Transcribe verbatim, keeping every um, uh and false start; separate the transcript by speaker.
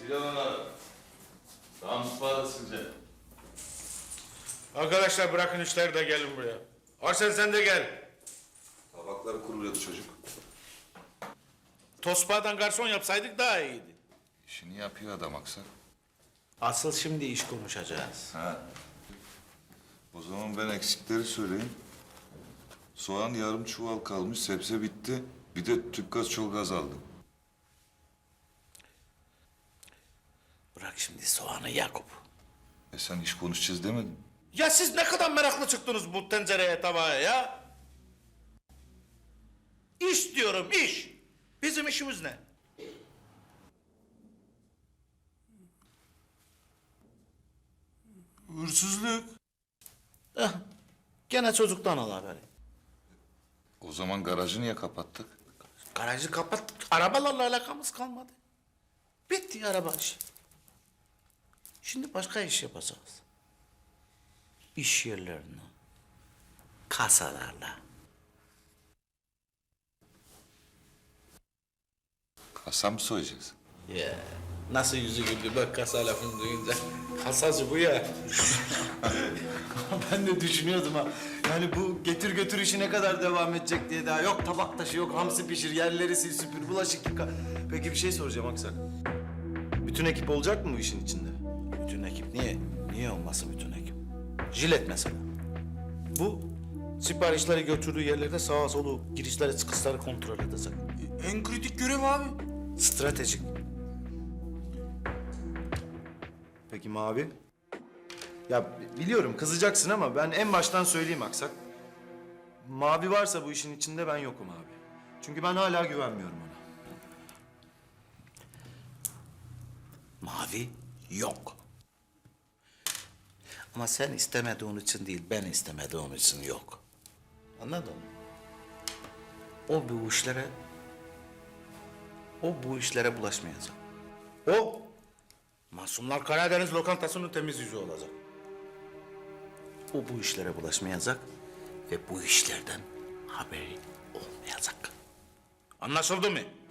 Speaker 1: Silahlar. Namus bağlısınca.
Speaker 2: Arkadaşlar bırakın işleri de gelin buraya. Arsen sen de gel.
Speaker 3: Tabakları kuruluyordu çocuk.
Speaker 2: Tosbağadan garson yapsaydık daha iyiydi.
Speaker 3: İşini yapıyor adam aksa.
Speaker 4: Asıl şimdi iş konuşacağız.
Speaker 3: Ha. O zaman ben eksikleri söyleyeyim. Soğan yarım çuval kalmış, sebze bitti. Bir de tüp gaz çok gaz aldım.
Speaker 4: Bırak şimdi soğanı Yakup.
Speaker 3: E sen iş konuşacağız demedin.
Speaker 2: Ya siz ne kadar meraklı çıktınız bu tencereye tabağa ya? İş diyorum iş. Bizim işimiz ne?
Speaker 1: Hırsızlık.
Speaker 4: Eh, gene çocuktan al haberi.
Speaker 3: O zaman garajı niye kapattık?
Speaker 4: Garajı kapattık. Arabalarla alakamız kalmadı. Bitti araba işi. Şimdi başka iş yapacağız. İş yerlerini, kasalarla.
Speaker 3: Kasa mı soyacağız?
Speaker 4: Ya nasıl yüzü güldü bak kasa lafını duyunca. Kasacı bu ya.
Speaker 5: Ben de düşünüyordum ha. Yani bu getir götür işi ne kadar devam edecek diye daha. Yok tabak taşı, yok hamsi pişir, yerleri sil süpür, bulaşık yıka. Peki bir şey soracağım Aksak. Bütün ekip olacak mı bu işin içinde?
Speaker 4: Bütün ekip niye? Niye olmasın bütün ekip? Jilet mesela. Bu siparişleri götürdüğü yerlerde sağa solu girişleri çıkışları kontrol edecek.
Speaker 1: En kritik görev abi.
Speaker 4: Stratejik.
Speaker 5: Peki Mavi? Ya biliyorum kızacaksın ama ben en baştan söyleyeyim Aksak. Mavi varsa bu işin içinde ben yokum abi. Çünkü ben hala güvenmiyorum ona.
Speaker 4: Mavi yok. Ama sen istemediğin için değil, ben istemediğim için yok. Anladın mı? O bu işlere... O bu işlere bulaşmayacak.
Speaker 2: O Masumlar Karadeniz lokantasının temiz yüzü olacak.
Speaker 4: O bu işlere bulaşmayacak ve bu işlerden haberi olmayacak.
Speaker 2: Anlaşıldı mı?